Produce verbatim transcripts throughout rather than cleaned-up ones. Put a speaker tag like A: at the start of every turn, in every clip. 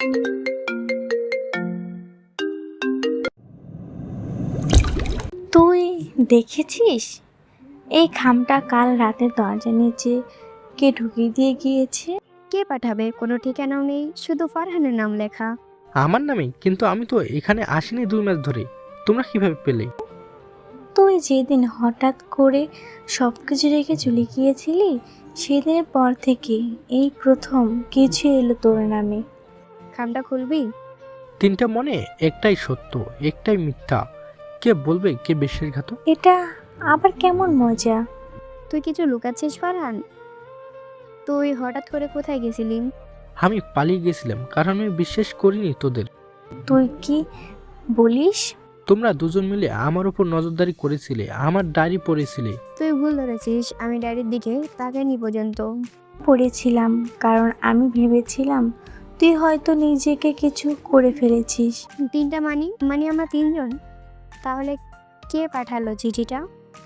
A: তুই দেখেছিস এই খামটা কাল রাতে দরজার নিচে কে ঢুকিয়ে দিয়ে গিয়েছে?
B: কে পাঠাবে? কোনো ঠিকানাও নেই, শুধু ফারহানের নাম লেখা।
C: আমার নামে? কিন্তু আমি তো এখানে আসিনি দুই মাস ধরে। তোমরা কিভাবে পেলে?
A: তুই যেদিন হঠাৎ করে সব কিছু রেখে চলে গিয়েছিলি সেদিনের পর থেকে এই প্রথম কিছু এলো তোর নামে।
B: খামটা খুলবি?
C: তিনটা মনে একটাই সত্য, একটাই মিথ্যা। কে বলবে কে বিশ্বাসঘাতক?
A: এটা আবার কেমন মজা?
B: তুই কিছু লুকাচ্ছিস ফারহান? তুই হঠাৎ করে কোথায় গেছিলি?
C: আমি পালিয়ে গেছিলাম কারণ আমি বিশ্বাস করিনি তোদের।
A: তুই কি বলিস?
C: তোমরা দুজন মিলে আমার উপর নজরদারি করেছিলে, আমার ডায়েরি পড়েছিলে।
B: তুই ভুল ধরেছিস, আমি ডায়েরির দিকে তাকাইনি পর্যন্ত।
A: পড়েছিলাম কারণ আমি ভেবেছিলাম তুই হয়তো নিজেকে কিছু করে ফেলেছিস।
B: তিনটা মানি মানে আমরা তিনজন? তাহলে কে পাঠালো চিঠিটা?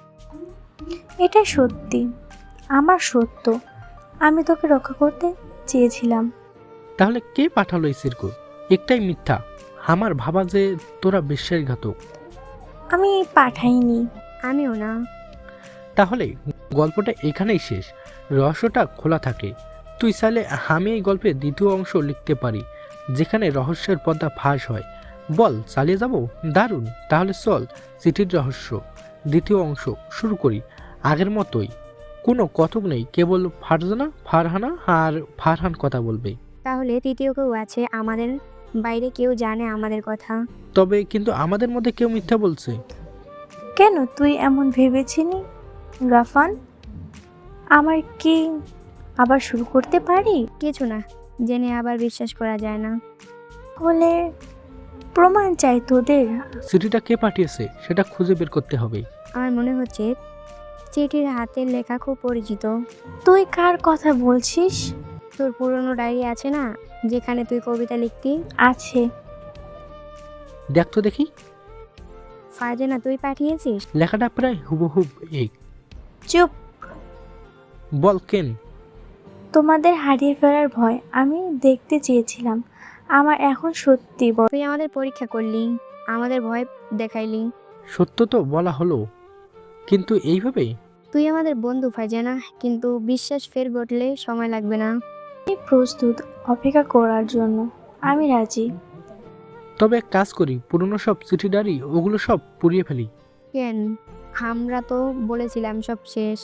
A: এটা সত্যি, আমার সত্য। আমি তোকে রক্ষা করতে চেয়েছিলাম।
C: তাহলে কে পাঠালো এই সিরকো? একটাই মিথ্যা, আমার ভাবা যে তোরা বিশ্বাসঘাতক।
A: আমি পাঠাইনি।
B: আমিও না।
C: তাহলে গল্পটা এখানেই শেষ, রহস্যটা খোলা থাকে। তুই চাইলে আমি এই গল্পের দ্বিতীয় অংশ লিখতে পারি, যেখানে রহস্যের পর্দা ফাঁস হয়। বল চালিয়ে যাব? দারুণ, তাহলে চল চিঠির রহস্য দ্বিতীয় অংশ শুরু করি। আগের মতোই, কোনো কতক নেই, কেবল ফারজানা, ফারহানা আর ফারহান কথা বলবে।
B: তাহলে তৃতীয় কেউ আছে আমাদের বাইরে? কেউ জানে আমাদের কথা?
C: তবে কিন্তু আমাদের মধ্যে কেউ মিথ্যা বলছে।
A: কেন তুই এমন ভেবেছিলি রাফান? আমার কি আবার শুরু করতে পারি?
B: কিছু না, জেনে আবার বিশ্বাস করা যায় না।
A: হলে প্রমাণ চাই তোদের।
C: চিঠিটা কে পাঠিয়েছে সেটা খুঁজে বের করতে হবে।
B: আমার মনে হচ্ছে চিঠির হাতের লেখা খুব পরিচিত।
A: তুই কার কথা বলছিস?
B: তোর পুরনো ডায়েরি আছে না, যেখানে তুই কবিতা লিখতি?
A: আছে।
C: দেখ তো দেখি।
B: ফারজানা তুই পাঠিয়েছিস?
C: লেখাটা প্রায় হুবহুব এক।
A: চুপ।
C: বল কেন?
A: তোমাদের হারিয়ে ফেলার ভয় আমি দেখতে চেয়েছিলাম। আমার এখন সত্যি বল।
B: তুই আমাদের পরীক্ষা করলি, আমাদের ভয় দেখাইলি।
C: সত্য তো বলা হলো, কিন্তু এইভাবে?
B: তুই আমাদের বন্ধু ফারজানা, কিন্তু বিশ্বাস ফের ঘটলে সময় লাগবে না।
A: আমি প্রস্তুত অপেক্ষা করার জন্য। আমি রাজি।
C: তবে এক কাজ করি, পুরনো সব চিঠি ডায়েরি ওগুলো সব পুড়িয়ে ফেলি।
B: কেন? আমরা তো বলেছিলাম সব শেষ।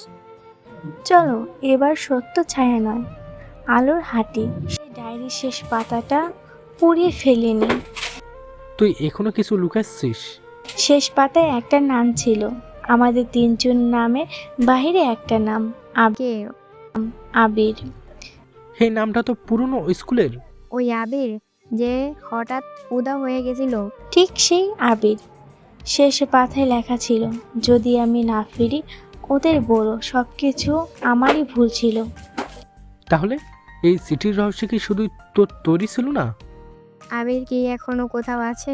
A: চলো এবার সত্য ছায়া নয়, আলোর হাঁটি। সেই ডায়েরির শেষ পাতাটা পুড়িয়ে ফেলিনি।
C: তুই এখনো কিছু লুকাচ্ছিস?
A: শেষ পাতায় একটা নাম ছিল, আমাদের তিনজন নামের বাহিরে একটা নাম,
B: কে?
A: আবির।
C: সেই নামটা তো পুরনো স্কুলের।
B: ওই আবির যে হঠাৎ উদা হয়ে গেছিল?
A: ঠিক সেই আবির। শেষ পাতায় লেখা ছিল, যদি আমি না ফিরি ওদের বলো সব কিছু আমারই ভুল ছিল।
C: তাহলে এই চিঠির রহস্য কি শুধু তোর তৈরি ছিল না?
B: আবির কি এখনো কোথাও আছে?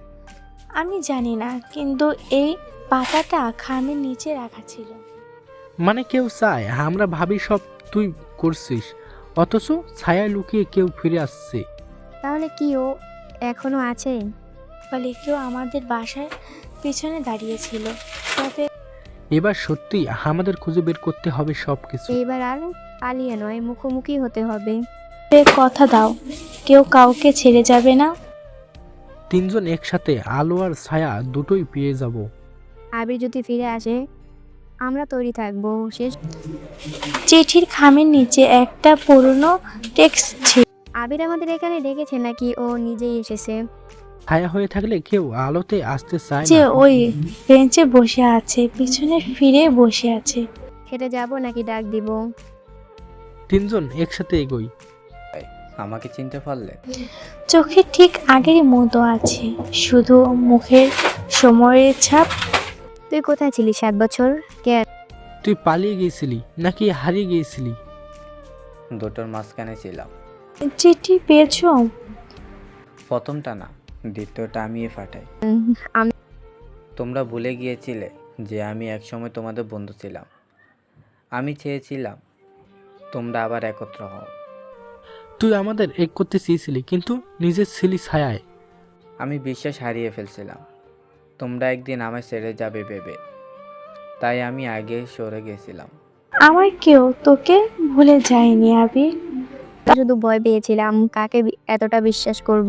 A: আমি জানি না, কিন্তু এই পাতাটা খামের নিচে রাখা ছিল।
C: মানে কেউ চায় আমরা ভাবি সব তুই করছিস, অথচ ছায়া লুকিয়ে কেউ ফিরে আসছে।
B: তাহলে কি ও এখনো আছে?
A: ফলে কেউ আমাদের বাসার পিছনে দাঁড়িয়েছিল। তবে
C: এবার সত্যি আমাদের খুঁজে বের করতে হবে সব কিছু।
B: এইবার আর পালিয়ে নয়, মুখোমুখি হতে হবে।
A: কথা দাও, কেউ কাউকে ছেড়ে যাবে না।
C: তিনজন একসাথে আলো আর ছায়া দুটোই পেয়ে যাব।
B: আবির যদি ফিরে আসে আমরা তৈরি থাকবো। শেষ।
A: চিঠির খামের নিচে একটা পুরনো টেক্সট ছিল।
B: আবির আমাদের এখানে ডেকেছে নাকি ও নিজেই এসেছে?
C: ছায়া হয়ে থাকলে কেউ আলোতে আসতে চায়
A: যে
C: না।
A: ওই বেঞ্চে বসে আছে, পিছনে ফিরে বসে আছে।
B: হেঁটে যাব নাকি ডাক দিব?
C: তিনজন একসাথে এগোই।
D: আমাকে চিনতে পারলে?
A: চোখে ঠিক আগের মতো আছে, শুধু মুখের সময়ের ছাপ।
B: তুই কোথায় ছিলি সাত বছর? কে?
C: তুই পালিয়ে গিয়েছিলি নাকি হারিয়ে গিয়েছিলি?
D: দুটোর মাঝখানে ছিলাম।
A: চিঠি পেয়েছো?
D: প্রথমটা না, দ্বিতীয়টা আমিই পাঠাই।
B: আমি
D: তোমরা ভুলে গিয়েছিলে যে আমি একসময় তোমাদের বন্ধু ছিলাম। আমি চেয়েছিলাম তোমরা আবার একত্র হও।
C: তুই আমাদের এক করতে চেয়েছিলি, কিন্তু নিজের ছিলি ছায়ায়।
D: আমি বিশ্বাস হারিয়ে ফেলছিলাম তোমরা একদিন আমায় ছেড়ে যাবে ভেবে, তাই আমি আগে সরে গেছিলাম।
A: আমার কেউ তোকে ভুলে যায়নি আবির।
B: শুধু ভয় পেয়েছিলাম কাকে বি- এতটা বিশ্বাস করব।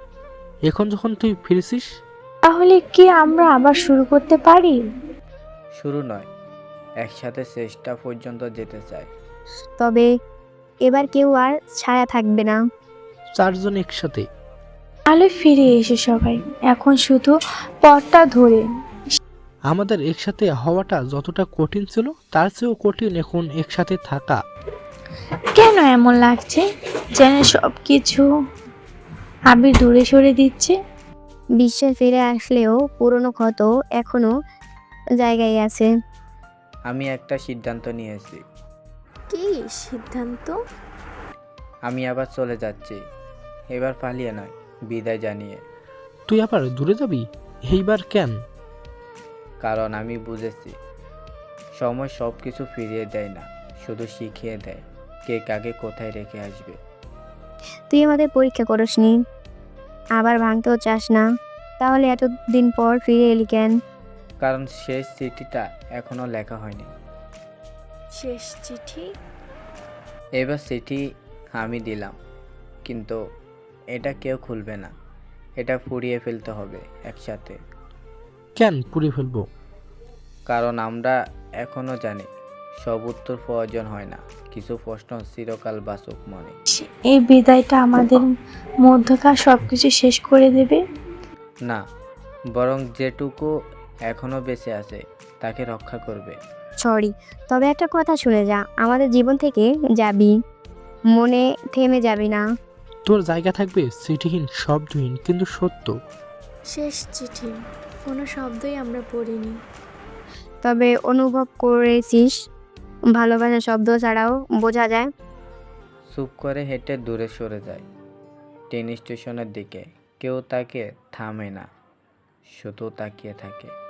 C: এখন যখন তুই ফিরেছিস,
A: তাহলে কি আমরা আবার শুরু করতে পারি?
D: শুরু নয়, একসাথে শেষটা পর্যন্ত যেতে চাই।
B: তবে এবার কেউ আর ছায়া থাকবে না।
C: চারজন একসাথে।
A: তাহলে ফিরে এসে সবাই এখন শুধু পথটা ধরে।
C: আমাদের একসাথে হওয়াটা যতটা কঠিন ছিল, তার চেয়েও কঠিন এখন একসাথে থাকা।
A: কেন এমন লাগছে যেন সব কিছু আবির দূরে সরে দিচ্ছে?
B: বিশ্বাস ফিরে আসলেও পুরনো ক্ষত এখনো জায়গায় আছে।
D: আমি একটা সিদ্ধান্ত নিয়েছি।
A: কি সিদ্ধান্ত?
D: আমি আবার চলে যাচ্ছি, এবার পালিয়ে নয়, বিদায় জানিয়ে।
C: তুই আবার দূরে যাবি? এইবার কেন?
D: কারণ আমি বুঝেছি সময় সব কিছু ফিরিয়ে দেয় না, শুধু শিখিয়ে দেয় কে কাকে কোথায় রেখে আসবে।
B: তুই আমাদের পরীক্ষা করিসনি, আবার ভাঙতেও চাস না, তাহলে এতদিন পর ফিরে এলি কেন?
D: কারণ শেষ চিঠিটা এখনো লেখা হয়নি।
A: শেষ চিঠি?
D: এবার চিঠি আমি দিলাম, কিন্তু এটা কেউ খুলবে না, এটা ফুরিয়ে ফেলতে হবে একসাথে।
C: কেন পুড়ে ফেলবো?
D: কারণ আমরা এখনো জানি সব উত্তর প্রয়োজন হয় না, কিছু প্রশ্ন চিরকাল বাঁচুক মনে।
A: এই বিদায়টা আমাদের মধ্যকার সবকিছু শেষ করে দেবে?
D: না, বরং যেটুকু এখনো বেঁচে আছে তাকে রক্ষা করবে।
B: সরি, তবে একটা কথা শুনে যা, আমাদের জীবন থেকে যাবি, মনে থেমে যাবি না।
C: তোর জায়গা থাকবে চিঠিহীন, শব্দহীন, কিন্তু সত্য।
A: শেষ চিঠি, কোনো শব্দই আমরা পড়িনি।
B: তবে অনুভব করেছিস, ভালোবাসা শব্দ ছাড়াও বোঝা যায়।
D: চুপ করে হেঁটে দূরে সরে যায় ট্রেন স্টেশনের দিকে। কেউ তাকে থামে না, শুধু তাকিয়ে থাকে।